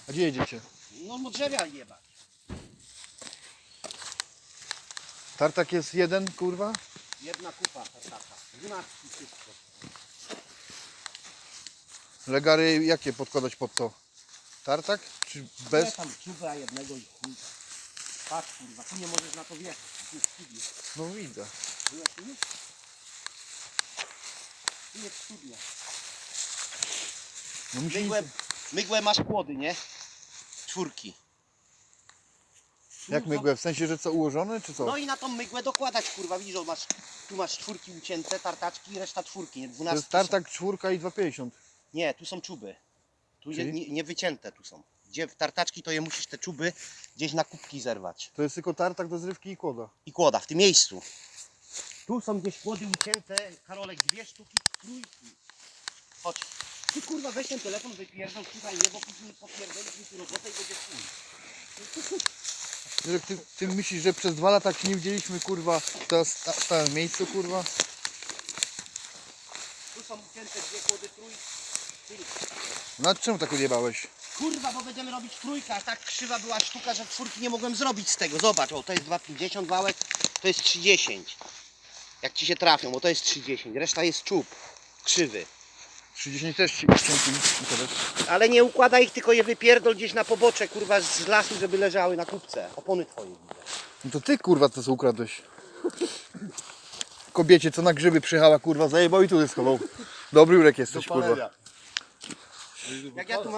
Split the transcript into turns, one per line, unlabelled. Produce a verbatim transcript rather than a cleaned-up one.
A gdzie jedziecie?
No mu drzewia jebać.
Tartak jest jeden, kurwa?
Jedna kupa tartaka. Dwunastki wszystko.
Legary jakie podkładać pod to? Tartak? Czy bez?
Nie tam czuba jednego i chuj. Patrz kurwa, tu nie możesz na to wjechać. Tu jest studio.
No widzę.
Byłeś tu już? Tu jest studio.
No musi...
Mygłę, mygłę masz płody, nie? Czwórki.
Jak mygłę? W sensie, że co, ułożone czy co?
No i na tą mygłę dokładać kurwa, widzisz, że masz, tu masz czwórki ucięte, tartaczki i reszta czwórki, nie?
To
dwunastki
jest tartak czwórka i dwa pięćdziesiąt.
Nie, tu są czuby. Tu nie,
Czyli?
nie, nie wycięte tu są. Gdzie w tartaczki to je musisz te czuby gdzieś na kubki zerwać.
To jest tylko tartak do zrywki i kłoda.
I kłoda, w tym miejscu. Tu są gdzieś kłody ucięte, Karolek, dwie sztuki trójki. Chodź. Ty kurwa weź ten telefon, wypierdol, słuchaj mnie, bo później popierdolisz mi tu robotę i będzie chuj.
Że ty, ty myślisz, że przez dwa lata jak się nie widzieliśmy, kurwa, teraz sta- stałem w miejscu, kurwa?
Tu są ucięte dwie kłody trójki.
No czemu tak odjebałeś?
Kurwa, bo będziemy robić trójkę, a tak krzywa była sztuka, że czwórki nie mogłem zrobić z tego. Zobacz, o to jest dwa pięćdziesiąt wałek, to jest trzydzieści. Jak ci się trafią, bo to jest trzydzieści, reszta jest czub, krzywy.
trzydzieści też ci cienki układasz.
Ale nie układaj ich, tylko je wypierdol gdzieś na pobocze, kurwa, z lasu, żeby leżały na kupce. Opony twoje widzę.
No to ty, kurwa, to co ukradłeś. Kobiecie, co na grzyby przyjechała, kurwa, zajebał i tu schował. Dobry Jurek jesteś, kurwa.
Jak ja tu mam